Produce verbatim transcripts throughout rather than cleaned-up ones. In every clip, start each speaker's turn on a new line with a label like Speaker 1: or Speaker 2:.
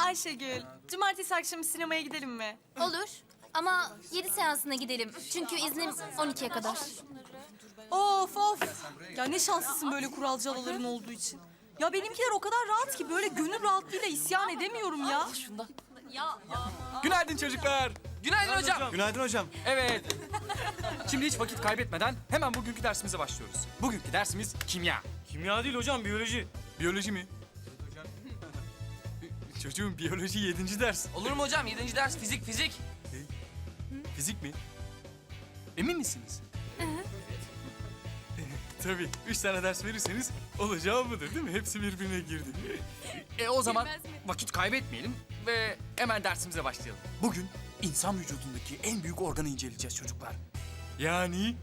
Speaker 1: Ayşegül, cumartesi akşamı sinemaya gidelim mi?
Speaker 2: Olur ama yedi seansına gidelim. Çünkü iznim on ikiye kadar.
Speaker 1: Of of. Ya ne şanslısın böyle kuralcı halaların olduğu için. Ya benimkiler o kadar rahat ki böyle gönül rahatlığıyla isyan edemiyorum ya.
Speaker 3: Günaydın çocuklar. Günaydın hocam.
Speaker 4: Günaydın hocam.
Speaker 3: Evet. Şimdi hiç vakit kaybetmeden hemen bugünkü dersimize başlıyoruz. Bugünkü dersimiz kimya.
Speaker 4: Kimya değil hocam, biyoloji.
Speaker 3: Biyoloji mi? Çocuğum biyoloji yedinci ders.
Speaker 5: Olur mu hocam? Yedinci ders fizik fizik.
Speaker 3: Fizik mi? Emin misiniz? Tabii. Üç tane ders verirseniz olacağı budur değil mi? Hepsi birbirine girdi. E o zaman vakit kaybetmeyelim ve hemen dersimize başlayalım. Bugün insan vücudundaki en büyük organı inceleyeceğiz çocuklar. Yani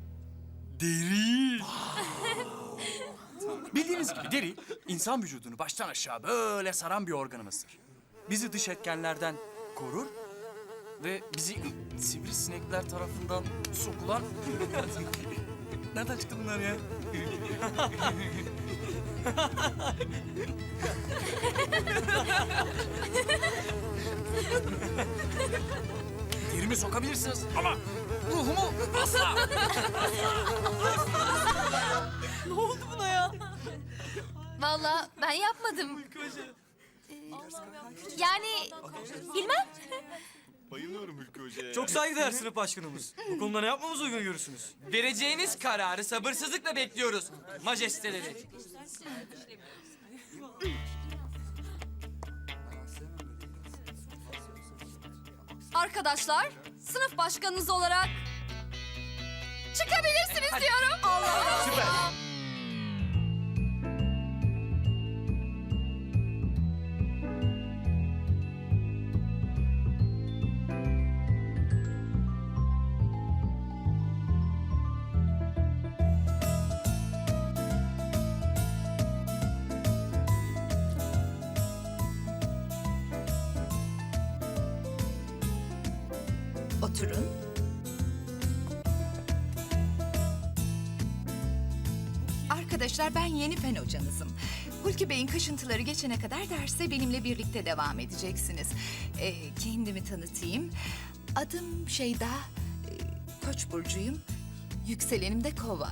Speaker 3: deri. Bildiğiniz gibi deri insan vücudunu baştan aşağı böyle saran bir organımızdır. Bizi dış etkenlerden korur ve bizi sivrisinekler tarafından sokulan... Nereden çıktı bunlar ya? Derimi sokabilirsiniz ama ruhumu asla.
Speaker 1: Ne oldu buna ya?
Speaker 2: Vallahi ben yapmadım. Ee, yani bilmem.
Speaker 4: Bayılıyorum Hülkü Hoca'ya. Çok saygıdeğer sınıf başkanımız. Bu konuda ne yapmamızı uygun görürsünüz?
Speaker 5: Vereceğiniz kararı sabırsızlıkla bekliyoruz majesteleri.
Speaker 2: Arkadaşlar, sınıf başkanınız olarak çıkabilirsiniz diyorum. Allah
Speaker 4: Süper.
Speaker 6: Oturun. Arkadaşlar ben yeni fen hocanızım. Hulki Bey'in kaşıntıları geçene kadar derse benimle birlikte devam edeceksiniz. Ee, kendimi tanıtayım. Adım Şeyda, ee, Koç burcuyum. Yükselenim de Kova.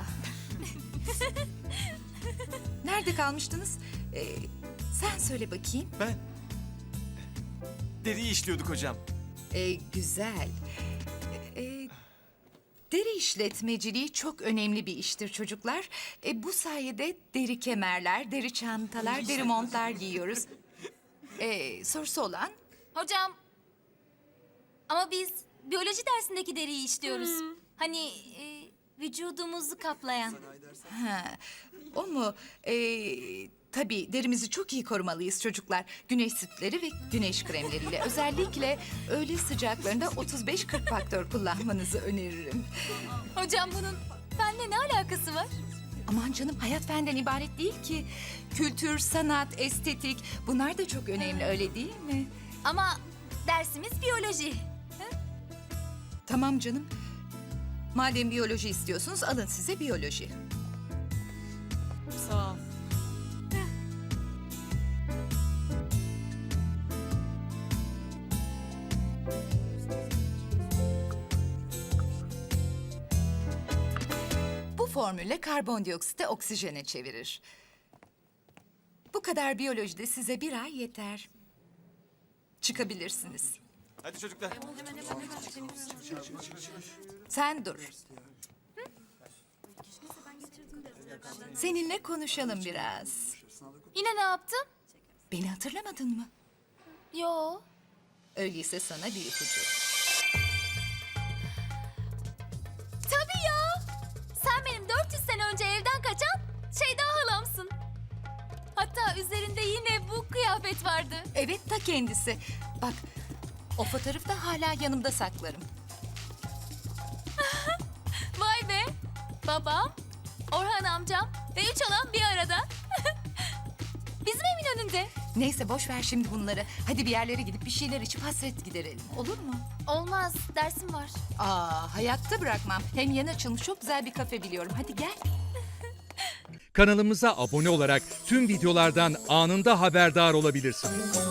Speaker 6: Nerede kalmıştınız? Ee, sen söyle bakayım.
Speaker 4: Ben... Deriyi işliyorduk hocam.
Speaker 6: Ee, güzel. Ee, deri işletmeciliği çok önemli bir iştir çocuklar. Ee, bu sayede deri kemerler, deri çantalar, deri montlar giyiyoruz. Ee, sorusu olan?
Speaker 2: Hocam, ama biz biyoloji dersindeki deriyi işliyoruz. Hani e, vücudumuzu kaplayan.
Speaker 6: Ha, o mu? Ee, tabii derimizi çok iyi korumalıyız çocuklar. Güneş sütleri ve güneş kremleriyle. Özellikle öğle sıcaklarında otuz beş kırk faktör kullanmanızı öneririm.
Speaker 2: Hocam bunun benimle ne alakası var?
Speaker 6: Aman canım, hayat fenden ibaret değil ki. Kültür, sanat, estetik bunlar da çok önemli, öyle değil mi?
Speaker 2: Ama dersimiz biyoloji.
Speaker 6: Tamam canım. Madem biyoloji istiyorsunuz alın size biyoloji.
Speaker 1: Sağ ol.
Speaker 6: Bu formülle karbondioksiti oksijene çevirir. Bu kadar biyolojide size bir ay yeter. Çıkabilirsiniz.
Speaker 4: Hadi çocuklar.
Speaker 6: Sen dur. Seninle konuşalım biraz.
Speaker 2: Yine ne yaptım?
Speaker 6: Beni hatırlamadın mı?
Speaker 2: Yo.
Speaker 6: Öyleyse sana bir ipucu.
Speaker 2: Tabii ya. Sen benim dört yüz sene önce evden kaçan Şeyda halamsın. Hatta üzerinde yine bu kıyafet vardı.
Speaker 6: Evet, ta kendisi. Bak, o fotoğrafı da hala yanımda saklarım.
Speaker 2: Vay be. Babam, Orhan amcam ve üç halam bir arada. Bizim evin önünde.
Speaker 6: Neyse boş ver şimdi bunları. Hadi bir yerlere gidip bir şeyler içip hasret giderelim. Olur mu?
Speaker 2: Olmaz, dersim var.
Speaker 6: Aa, hayatta bırakmam. Hem yeni açılmış çok güzel bir kafe biliyorum. Hadi gel.
Speaker 7: Kanalımıza abone olarak tüm videolardan anında haberdar olabilirsiniz.